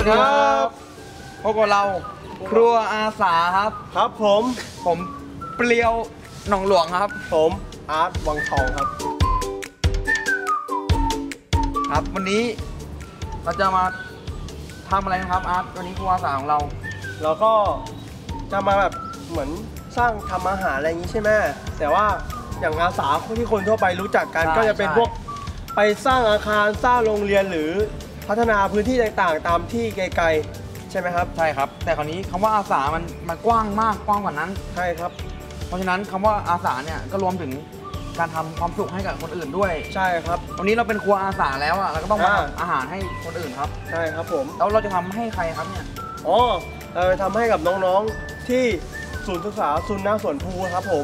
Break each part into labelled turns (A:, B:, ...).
A: วัสดีครับพบกับเราครัวอาสาครับ
B: ครับผม
A: เปรี้ยวหนองหลวงครับ
B: ผมอาร์ตวังทองครับ
A: ครับวันนี้เราจะมาทำอะไรนะครับอาร์ตวันนี้ครัวอาสาของเรา
B: ก็จะมาแบบเหมือนสร้างทำอาหารอะไรอย่างนี้ใช่ไหมแต่ว่าอย่างอาสาที่คนทั่วไปรู้จักกันก็จะเป็นพวกไปสร้างอาคารสร้างโรงเรียนหรือพัฒนาพื้นที่ต่างๆตามที่ไกลๆใช่ไหมครับ
A: ใช่ครับแต่คราวนี้คำว่าอาสามันกว้างมากกว้างกว่านั้น
B: ใช่ครับ
A: เพราะฉะนั้นคำว่าอาสาเนี่ยก็รวมถึงการทำความสุขให้กับคนอื่นด้วย
B: ใช่ครับ
A: วันนี้เราเป็นครัวอาสาแล้วอ่ะเราก็ต้องมาทำอาหารให้คนอื่นครับ
B: ใช่ครับผม
A: แล้วเราจะทำให้ใครครับเนี่ย
B: เราจะทำให้กับน้องๆที่ศูนย์ศึกษาซุนนาสวนภูครับผม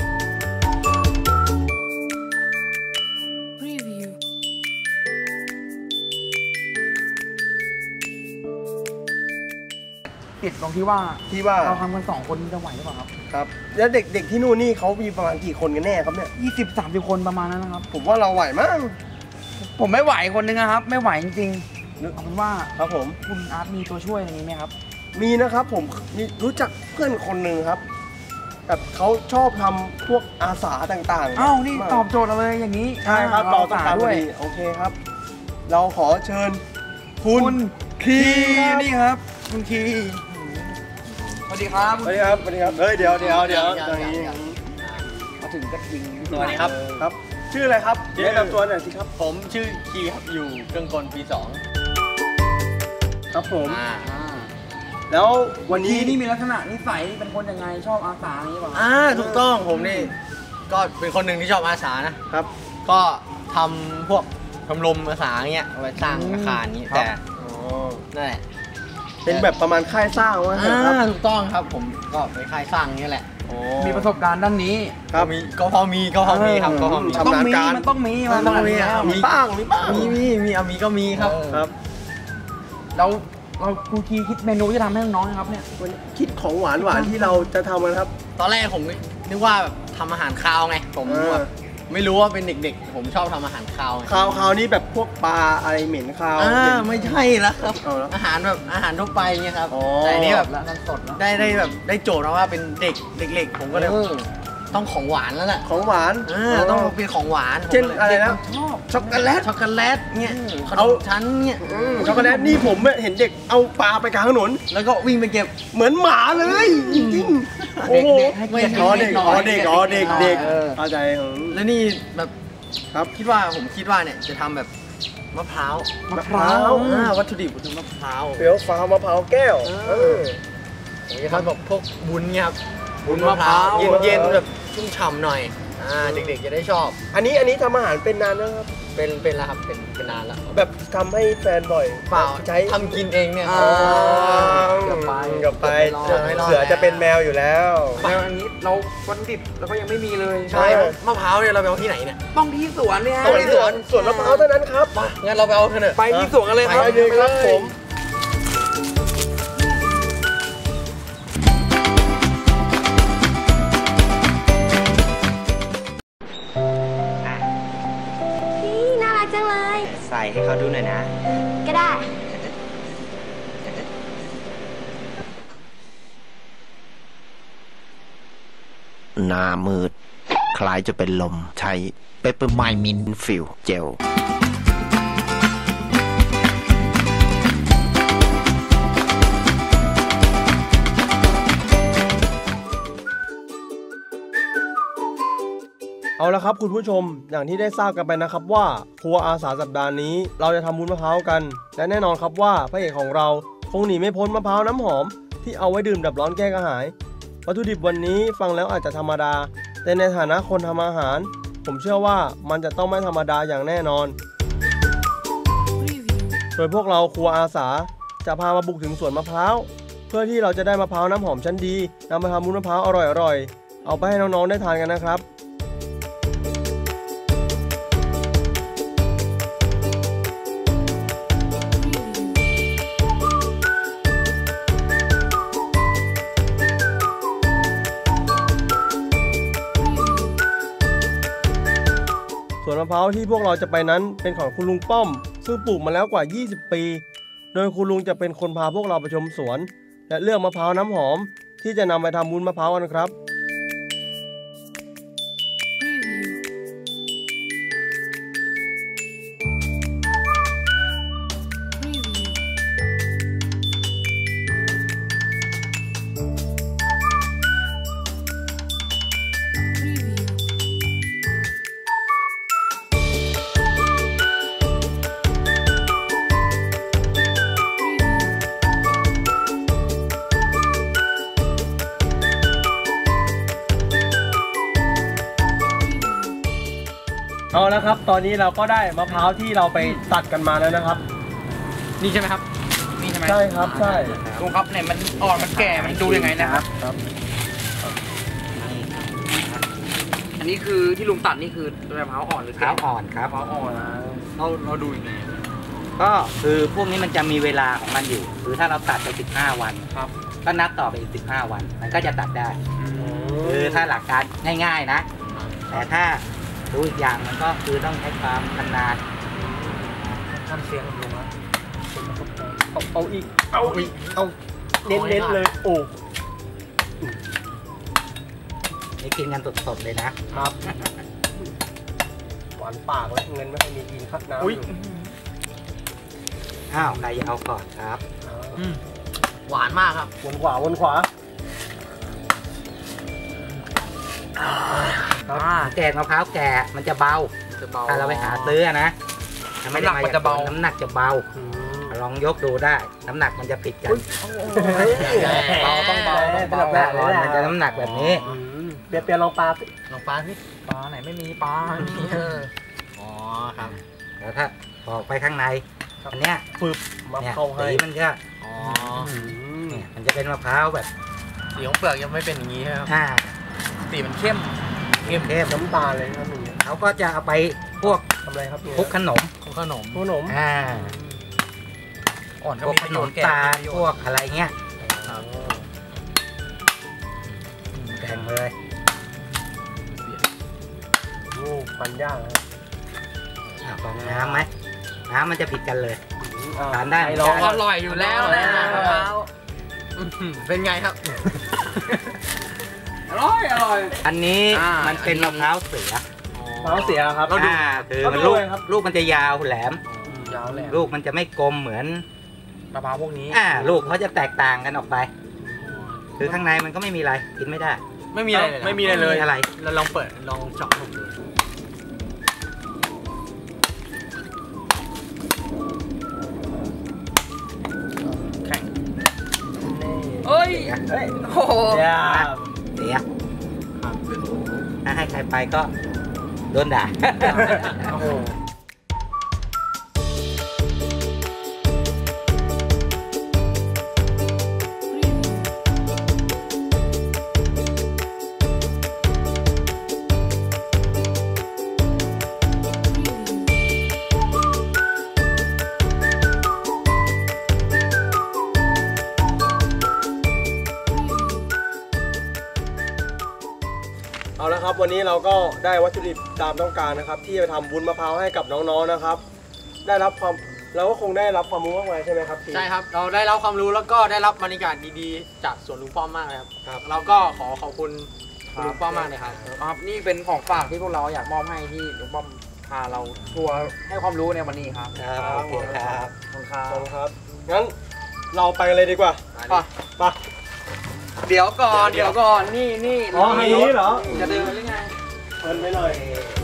A: ติดตรงที่ว่าเราทำกัน2 คนจะไหวหรือเปล่าครับ
B: ครับแล้วเด็กๆที่นู่นนี่เขามีประมาณกี่คนกันแน่ครับเนี่ย
A: 20-30 คนประมาณนั้นนะครับ
B: ผมว่าเราไหวมั้ง
A: ผมไม่ไหวคนนึงนะครับไม่ไหวจริงๆเอาเป็นว่า
B: ครับผม
A: คุณอาร์ตมีตัวช่วยอะไรนี้ไหมครับ
B: มีนะครับผมรู้จักเพื่อนคนหนึ่งครับแบบเขาชอบทำพวกอาสาต่าง
A: ๆนี่ตอบโจทย์เราเลยอย่างนี้
B: ใช่ครับเราต้องการด้วยโอเคครับเราขอเชิญคุณคี
A: นี่ครับคุณคีสวัสดีครับ
B: สวัสดีครับเฮ้ยเดี๋ยว
A: มาถึงก็ยิง
C: สวัสดีครับ
B: ชื่ออะไรครับแนะนำตัวหน่อยสิครับ
C: ผมชื่อคีครับอยู่เครื่องกลปี
B: 2ครับผมแล้ววันนี้
A: นี่มีลักษณะนิสัยเป็นคนยังไงชอบอาสาอย่างนี้ป่ะ
C: ถูกต้องผมนี่ก็เป็นคนหนึ่งที่ชอบอาสานะครับก็ทำพวกชมรมอาสาเงี้ยเอาไว้สร้างอาคารนี้แต่นั่นแหละ
B: เป็นแบบประมาณค่ายสร้างวะครับ
C: ถูกต้องครับผมก็ไปค่ายสร้างนี่แหละ
A: มีประสบการณ์ด้านนี้
C: ครับก็พอมีครับก็พอมี
A: ชำนาญการมันต้องมี
B: บ้าง
C: มีก็มีครับ
A: เราครูคีคิดเมนูจะทำให้น้องๆครับเนี่ย
B: คิดของหวานที่เราจะทำกันครับ
C: ตอนแรกผมนึกว่าแบบทำอาหารคาวไงผมแบบไม่รู้ว่าเป็นเด็กๆผมชอบทำอาหารคาว
B: นี่แบบพวกปลาอะไรเหม็นคาว
C: ไม่ใช่แล้วครับอาหารแบบอาหารทั่วไปเนี่ยครับแต่นี้แบบ
A: สด
C: ได้แบบได้โจทย์มาว่าเป็นเด็กผมก็เลยต้องของหวานแล้วแหละ
B: ของหวาน
C: ต้องเป็นของหวาน
B: เช่นอะไรนะช็อกโกแลต
C: เนี่ยเอาชั้นเนี่ย
B: ช็อกโกแลตนี่ผมเห็นเด็กเอาปลาไปกลางถนน
C: แล้วก็วิ่งไปเก็บ
B: เหมือนหมาเลยจริงๆโอ้โหเด็กเข้าใจ
C: แล้วนี่แบบครับผมคิดว่าเนี่ยจะทำแบบมะพร้าววัตถุดิบคือมะพร้าว
B: เปรี้ยวฟ้ามะพร้าวแก้ว
C: ผมจะทำแบบพวกบุญเนี่ยครับบุญมะพร้าวเย็นๆแบบชุ่มฉ่ำหน่อยเด็กๆจะได้ชอบ
B: อันนี้ทำอาหารเป็นนานแล้วครับ
C: เป็นแล้วครับเป็นนานแล้ว
B: แบบทำให้แฟนบ่อย
C: เปล่าใช้ทำกินเองเนี่ย
B: กับไปเสือจะเป็นแมวอยู่แล้ว
A: แล้วอันนี้เราวัตถุดิบเราก็ยังไม่มีเลย
C: ใช่มะพร้าวเนี่ยเราไปเอาที่ไหนเนี่ย
A: ต้องที่สวนเนี่ย
B: ต้องที่สวนมะพร้าวเท่านั้นครับ
C: งั้นเราไปเอาเถอะ
A: ไปที่สวนกันเลยครับ
B: ไปเลยครับผม
C: ใส่ให้เขาดูหน่อยนะ
D: ก็ได้
E: หน้ามืดคล้ายจะเป็นลมใช้เปปเปอร์ไมน์มินท์ฟิลเจล
B: เอาละครับคุณผู้ชมอย่างที่ได้ทราบกันไปนะครับว่าครัวอาสาสัปดาห์นี้เราจะทำวุ้นมะพร้าวกันและแน่นอนครับว่าพระเอกของเราคงหนีไม่พ้นมะพร้าวน้ำหอมที่เอาไว้ดื่มดับร้อนแก้กระหายวัตถุดิบวันนี้ฟังแล้วอาจจะธรรมดาแต่ในฐานะคนทำอาหารผมเชื่อว่ามันจะต้องไม่ธรรมดาอย่างแน่นอนโดยพวกเราครัวอาสาจะพามาบุกถึงสวนมะพร้าวเพื่อที่เราจะได้มะพร้าวน้ำหอมชั้นดีนำมาทำวุ้นมะพร้าวอร่อยๆเอาไปให้น้องๆได้ทานกันนะครับสวนมะพร้าวที่พวกเราจะไปนั้นเป็นของคุณลุงป้อมซึ่งปลูกมาแล้วกว่า20 ปีโดยคุณลุงจะเป็นคนพาพวกเราไปชมสวน และเลือกมะพร้าวน้ำหอมที่จะนำไปทำวุ้นมะพร้าวกันครับ เอาละครับ ตอนนี้เราก็ได้มะพร้าวที่เราไปตัดกันมาแล้วนะครับ
A: นี่ใช่ไหมครับนี่ใช่ไหม
B: ใช่ครับใช่
A: ลุงครับเนี่ยมันอ่อนมันแก่มันดูยังไงนะครับ
B: ครับ
A: อันนี้คือที่ลุงตัดนี่คือมะพร้าวอ่อนหรือ
C: มะพร้าวอ่อนครับ
A: มะพร้าวอ่อนเราดูยังไง
C: ก็คือพวกนี้มันจะมีเวลาของมันอยู่คือถ้าเราตัดไป15 วัน
A: ครับ
C: ก็นับต่อไปอีก15 วัน มันก็จะตัดได้คือถ้าหลักการง่ายๆนะ แต่ถ้าดูอีกอย่างมันก็คือต้องใช้ความชำนาญ
A: ทำเสียงลุงครับ
B: เอาอีกเอาเน้นๆเลยโอ้
C: นี่กินกันสดๆเลยนะครับ
B: หวานปากแล้วเงินไม่ค่อยมีกินครับน้ำอยู่
C: อ้าวใครจะเอาก่อนครับ
A: หวานมากครับ
B: วนขวาวนขวา
C: แกงมะพร้าวแก่มันจะเบา
A: จะเบา
C: ถ้าเราไปหาซื้อนะไม่ได้
A: น้ำหนักมันจะเบา
C: น้ำหนักจะเบา ลองยกดูได้ น้ำหนักมันจะผิดกัน
A: เบาต้องเบา
C: ปลาร้อนมันจะน้ำหนักแบบนี้
B: เปลี่ยนลองปลาสิ
A: ลองปลาสิปลาไหนไม่มีปลาอ๋อครับ
C: แล้วถ้าออกไปข้างในอันเนี้ย
B: ฟึบมา
C: เนี่ย
B: เข้าให้
C: สีมันก็
A: อ๋อ
C: เนี่ยมันจะเป็นมะพร้าวแบบ
A: สีของเปลือกยังไม่เป็นอย่างนี้ครับ
C: อ่า
A: สีมันเข้ม
C: เข้ม
B: น้ำตาลเลยครับอย่างเงี้ย
C: เขาก็จะเอาไปพวก
B: ทำอะไรครับเนี่ย
C: คลุกขนม
A: ขนม
B: ขนม
C: อ่า
A: อ่อนก็
C: พวก
A: มี
C: ข
A: ประ
C: น
A: โย
C: ม
A: ชน์แก่
C: ตาลพวกอะไรเงี้ยแบ่งเลย
B: โอ้ปันย่างครับ
C: ลองน้ำไหมน้ำมันจะผิดกันเลย ทานได้
B: ลอง
A: อร่อยอยู่แล้วนะมะพร้าวเป็นไงครับ อร่อย
C: อันนี้
A: มันเป็น
C: มะพร้าวเสือ
B: มะพร้าวเสียครับ
C: คือมันลูกมันจะยาวแหลม
A: ยาวแหลม
C: ลูกมันจะไม่กลมเหมือน
A: มะพร้าวพวกนี้
C: ลูกเขาจะแตกต่างกันออกไป คือข้างในมันก็ไม่มีอะไรกินไม่ได้
A: ไม่มีอะไรเลย
B: ไม่มีอะไรเลย
C: อะไร
A: เราลองเปิดลองเจาะดูแข็งเอ้ย
B: เฮ้ย
A: โอ้โห
B: ย่า
C: เสียถ้าให้ใครไปก็โดนด่า
B: โอ้โห เอาละครับวันนี้เราก็ได้วัตถุดิบตามต้องการนะครับ ที่จะทำวุ้นมะพร้าวให้กับน้องๆนะครับ ได้รับความเราก็คงได้รับความรู้มากมายใช่ไหมครับ
D: ใช่ครับ เราได้รับความรู้แล้วก็ได้รับบรรยากาศดีๆ จากสวนลุงป้อมมากเลยครับ เราก็ขอบคุณลุงป้อมมากเลยครับ
A: ครับนี่เป็นของฝากที่พวกเราอยากมอบให้ที่ลุงป้อมพาเราทัวร์ให้ความรู้ในวันนี้ครับ
C: ครับโอเคครับ
A: ขอบคุณครั
B: ขอบบ คุณครับงั้นเราไปกันเลยดีกว่า
A: ไปเดี๋ยวก่อนนี่
B: อ๋ออันนี้เหรอ
A: จะเดินหรือไง
B: เปิดไปหน่อย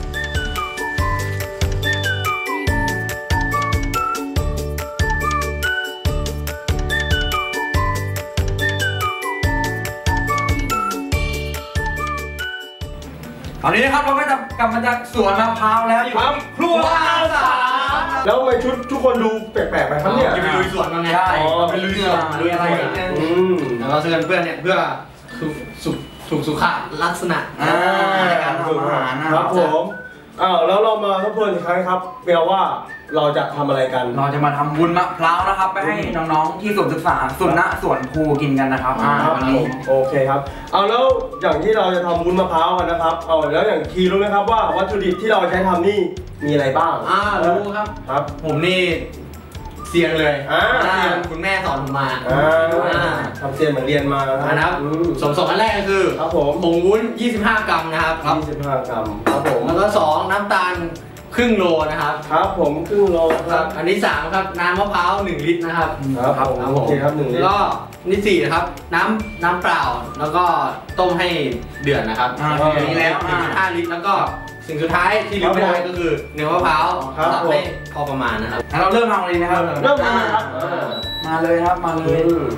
A: ตอนนี้นะครับเราก็จะกลับมาจากสวนมะพร้าวแล้วอยู่ที่ครัวอาสา
B: แล้วทำไมชุดทุกคนดูแปลกๆไปครับเนี่ย
A: จะไปลุยสวนกันไง
B: ใช่ไปลุยสวน
A: ลุยอะไรนิดนึง
D: เราเชิญเพื่อนเนี่ยเพื่อถูกสุขลักษณะ
A: ในการทำอาหารนะครับ
B: ผมแล้วเรามาทบทวนอีกครั้งครับเปียว่าเราจะทำอะไรกัน
A: เราจะมาทำวุ้นมะพร้าวนะครับไปให้น้องๆที่ศูนย์ศึกษาสวนครูกินกันนะครับวันนี้
B: โอเคครับแล้วอย่างที่เราจะทำวุ้นมะพร้าวกันนะครับแล้วอย่างคีรู้ไหมครับว่าวัตถุดิบที่เราใช้ทำนี่มีอะไรบ้าง
D: รู้ครับ
B: ครับ
D: ผมนี่
C: เซียนเลย
B: เซียน
C: คุณแม่สอนผมมา
B: ทำเซียนเหมือนเรียนมา
C: นะครับส่วนอันแรกก็คือ
B: ครับผม
C: ผงวุ้น 25 กรัมนะครับ
B: 25 กรัมครับผม
C: แล้วก็2น้ำตาลครึ่งโลนะครับ
B: ครับผมครึ่งโลครับ
C: อันที่3ครับน้ำมะพร้าว1 ลิตรนะครับ
B: ครับผมโอเคครับ1 ลิตร
C: แล้วก็อันที่4นะครับน้ำเปล่าแล้วก็ต้มให้เดือดนะครับ
A: อย่างนี้แล้ว
C: 1.5 ลิตรแล้วก็สิ่งสุดท้ายที่ลืมไม่ได้ก็คือเนื้อมะพร้าวตัดให้พอประมาณนะครับ
A: เราเริ่มทำเลยนะครับ
B: เริ่มทำครับ
A: มาเลยครับมาเลย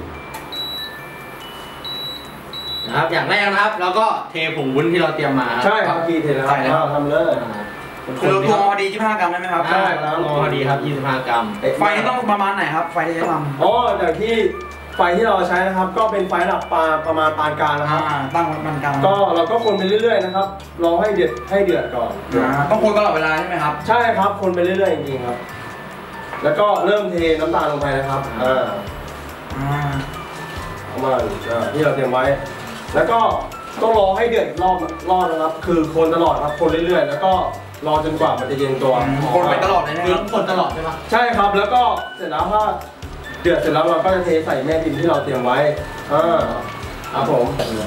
C: นะครับอย่างแรกนะครับแล้วก็เทผงวุ้นที่เราเตรียมมา
B: ใช่ครับพี่เทแล้วครับทำเลย
A: คือตัวพอดี25 กรัมได้ไหมครับ
C: ใช่แล้วพอดีครับ25 กรัม
A: ไฟต้องประมาณไหนครับไฟที่จะทำ
B: อ๋ออย่างที่ไฟที่เราใช้นะครับก็เป็นไฟระดับประมาณปานกลางนะครับ
A: ตั้งมันกลาง
B: ก็เราก็คนไปเรื่อยๆนะครับรอให้เดือดก่อน
A: ต้องคนตลอดเวลาใช่ไหมครับ
B: ใช่ครับคนไปเรื่อยๆจริงๆครับแล้วก็เริ่มเทน้ำตาลลงไปนะครับประมาณที่เราเตรียมไว้แล้วก็ต้องรอให้เดือดรอบนะครับคือคนตลอดครับคนเรื่อยๆแล้วก็รอจนกว่ามันจะเย็นตัว
A: คนไปตลอดเลยนะ
C: คือคนตลอดใช่ไหม
B: ใช่ครับแล้วก็เสร็จแล้วถ้าเดือดเสร็จแล้วเราก็จะเทใส่แม่พิมพ์ที่เราเตรียมไว้ครับผม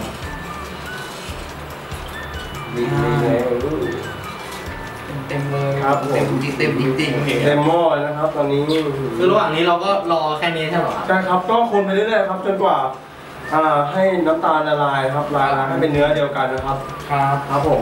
A: เต็มเลย
B: ครับผม
A: เต็มจริงเต็ม
B: หม้อเลยนะครับตอนนี้
C: คือระหว่างนี้เราก็รอแค่นี้ใช่ไหมครับ
B: ใช่ครับก็คนไปเรื่อยๆครับจนกว่าให้น้ำตาลละลายครับละลายให้เป็นเนื้อเดียวกันนะครับครับผม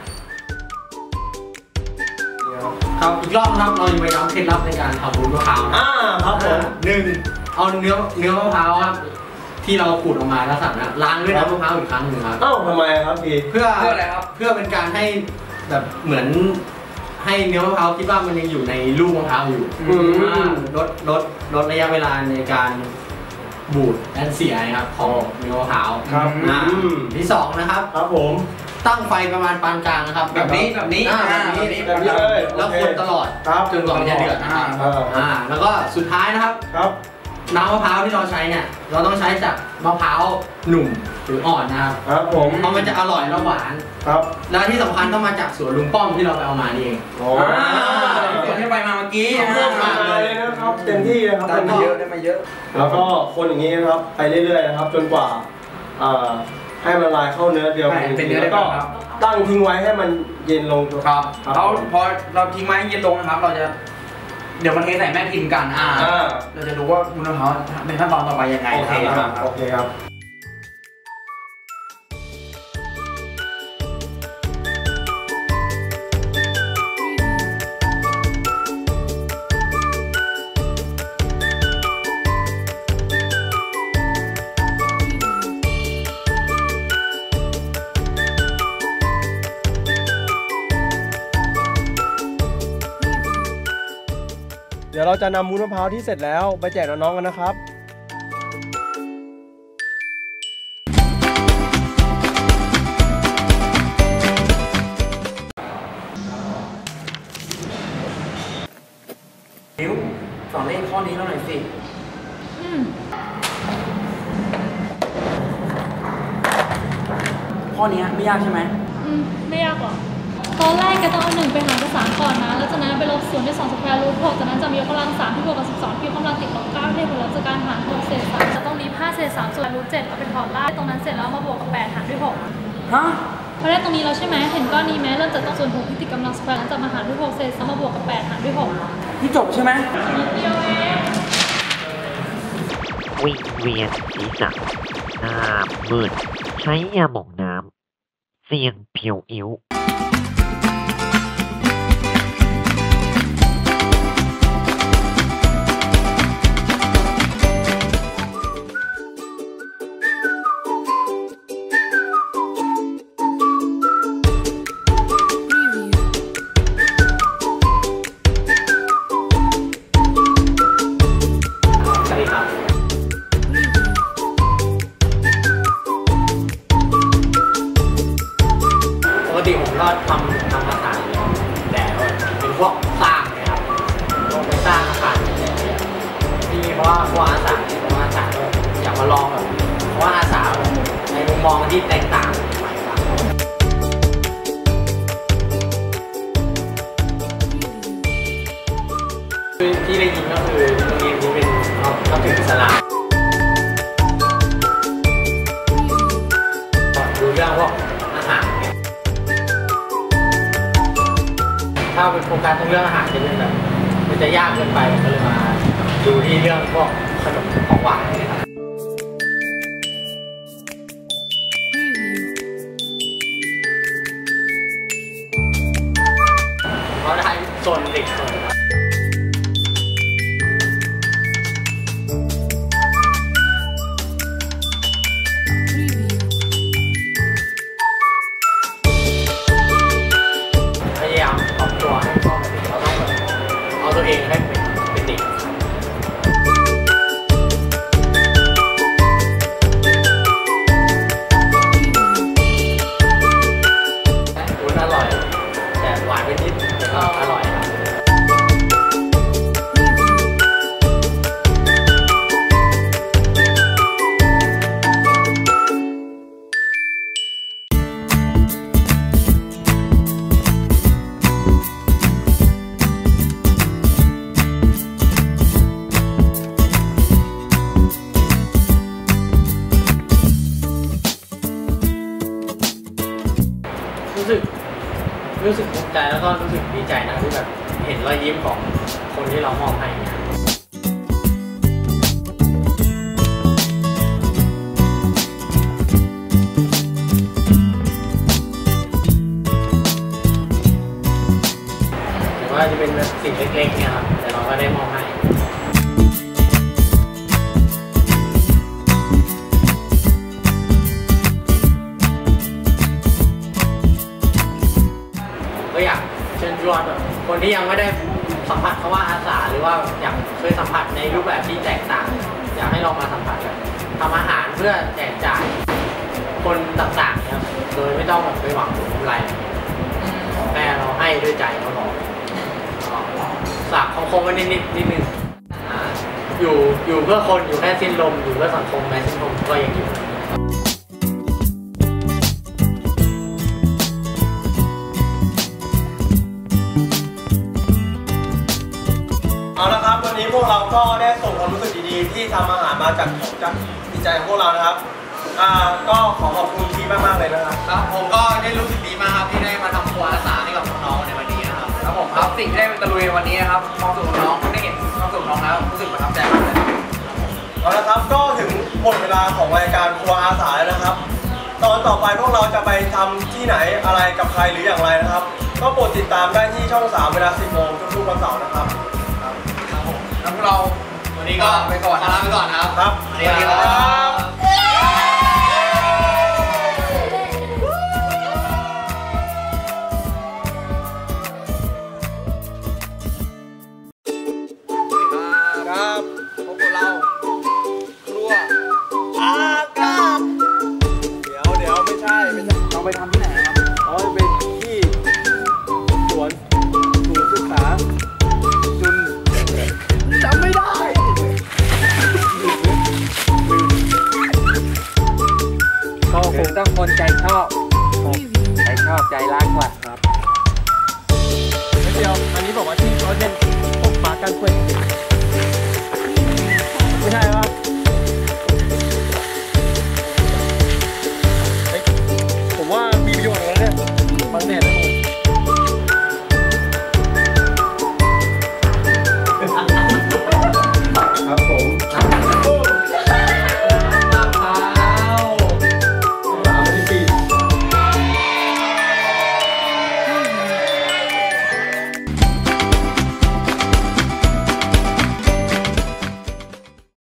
C: ครับอีกรอบนะครับเราจะไปย้ำเคล็ดลับในการทำวุ้นมะพร้าว
B: ครับผม
C: 1เอาเนื้อมะพร้าวครับที่เราขูดออกมาแล้วสั่งนะล้างด้วยน้ำมะพร้าวอีกครั้งหนึ่งครับ
B: ทำไมครับพี่
C: เพื่อ
A: อะไรครับ
C: เพื่อเป็นการให้แบบเหมือนให้เนื้อมะพร้าวคิดว่ามันยังอยู่ในลูกมะพร้าวอยู่ลดระยะเวลาในการบูดและเสียนะครับของเนื้อมะพร้าว
B: ครับ
C: ที่2นะครับ
B: ครับผม
C: ตั้งไฟประมาณปานกลางนะครับแบบนี้เลยแล้วคนตลอดจนกว่ามันจะเดือดนะครับแล้วก็สุดท้ายนะครับ
B: ครับ
C: น้ำมะพร้าวที่เราใช้เนี่ยเราต้องใช้จากมะพร้าวหนุ่มหรืออ่อนนะครับ
B: ครับผม
C: เพราะมันจะอร่อยและหวาน
B: ครับ
C: และที่สำคัญต้องมาจากสวนลุงป้อมที่เราไปเอามานี่เอง
A: ส่วนที่ไปมาเมื่อกี้
B: เพิ่มมาเลยนะครับเต็มที่นะครับ
A: ได้มาเยอะได้มาเยอะ
B: แล้วก็คนอย่างนี้นะครับไปเรื่อยๆนะครับจนกว่าให้มันละลายเข้าเนื้อเดียวกันแล้วก็ตั้งทิ้งไว้ให้มันเย็นลง
A: ครับแล้วพอเราทิ้งไว้เย็นลงนะครับเราจะเดี๋ยวมันเทใส่แม่พิมพ์กันเราจะดูว่าวุ้นมะพร้าวเป็นขั้นตอนต่อไปยังไง
B: โอเคครับ เดี๋ยวเราจะนำวุ้นมะพร้าวที่เสร็จแล้วไปแจกน้องๆกันนะครับ
A: นิ้วสอนเลขข้อนี้หน่อยสิข้อนี้ไม่ยากใช่ไหม
F: ไม่ยากหรอกตอนแรกแกต้องเอา1ไปหารกับ3ก่อนนะแล้วจากนั้นไปลบ0ด้วย2สแควร์รูท6จากนั้นจะมียกกำลัง3ที่บวกกับ12ที่ยกกำลังติดลบ9ที่ผลลัพธ์จากการหาร6เศษ3จะต้องมี5เศษ3ส่วนรูท7เอาไปถอดรากตรงนั้นเสร็จแล้วมาบวกกับ8หารด้วย6
A: ฮะ
F: พอได้ตรงนี้แล้วใช่ไหมเห็นก้อนนี้ไหมเริ่มจากต้องส่วน6ที่ติดกำลังสแควร์แล้วจะมาหารด้วย6เศษ3มาบวกกับ8หารด้วย6
A: นี่จบใช่ไหม
F: เดียวเอง
G: วิงเวียนศีรษะหน้ามืดใช้ยาหม่องน้ำเสี่ยงเพียวอิ้ว
C: ปกติผมก็ทำอาหารแต่เป็นพวกสร้างนะครับลงไปสร้างอาคารที่เพราะว่าพวกอาสาอยากมาลองแบบเพราะว่าอาสาในมุมมองที่แตกต่างใหม่ครับที่ได้ยินก็คือโรงเรียนนับถืออิสลามดูเรื่องพวกอาหารถ้าเป็นโครงการเรื่องอาหารจะเป็นแบบมันจะยากเกินไปก็เลยมาดูที่เรื่องพวกขนมของหวานนะครับเขาได้โซนเด็กโซนพยายามปรับตัวให้เข้ามาถึงเราต้องแบบเอาตัวเองให้เป็นเด็กวุ้นอร่อยแต่หวานไปนิดแต่ก็อร่อยครับรู้สึกภูมิใจแล้วก็รู้สึกดีใจนะที่แบบเห็นรอยยิ้มของคนที่เรามอบให้เนี่ยแต่ว่าจะเป็นสิ่งเล็กๆเนี่ยครับแต่เราก็ได้มอบให้ก็อยากเชิญชวนแบบคนที่ยังไม่ได้สัมผัสคำว่าอาสาหรือว่าอยากเคยสัมผัสในรูปแบบที่แตกต่างอยากให้ลองมาสัมผัสแบบทำอาหารเพื่อแจกจ่ายคนต่างๆครับโดยไม่ต้องแบบไปหวังผลกำไรแต่เราให้ด้วยใจเราบอกฝากคงไว้นิดนึงอยู่เพื่อคนอยู่แค่สิ้นลมอยู่เพื่อสังคมแม้สิ้นลมก็ยังอยู่
B: เอาละครับวันนี้พวกเราก็ได้ส่งความรู้สึกดีๆที่ทำอาหารมาจากจิตใจของพวกเรานะครับก็ขอขอบคุณทีมมากๆเลยนะครับ
D: ครับผมก็ได้รู้สึกดีมากครับที่ได้มาทำครัวอาสาให้กับน้องๆในวันนี้นะครับ
A: ครับผมครับสิ่งที่ได้เป็นตะลุยในวันนี้นะครับความสุขของน้องได้เห็นความสุขของน้องแล้วรู้สึกประทับใจมากเลย
B: เอาละครับก็ถึงหมดเวลาของรายการครัวอาสาแล้วนะครับตอนต่อไปพวกเราจะไปทำที่ไหนอะไรกับใครหรืออย่างไรนะครับก็โปรดติดตามได้ที่ช่อง 3เวลา 10 โมงทุกๆวันเสาร์นะครับ
A: ครับผมแล้วพวกเรา
D: วันนี้ก็ไปก่อนลาไปก่อนครับ
B: ครับ
A: สวัสดีครับ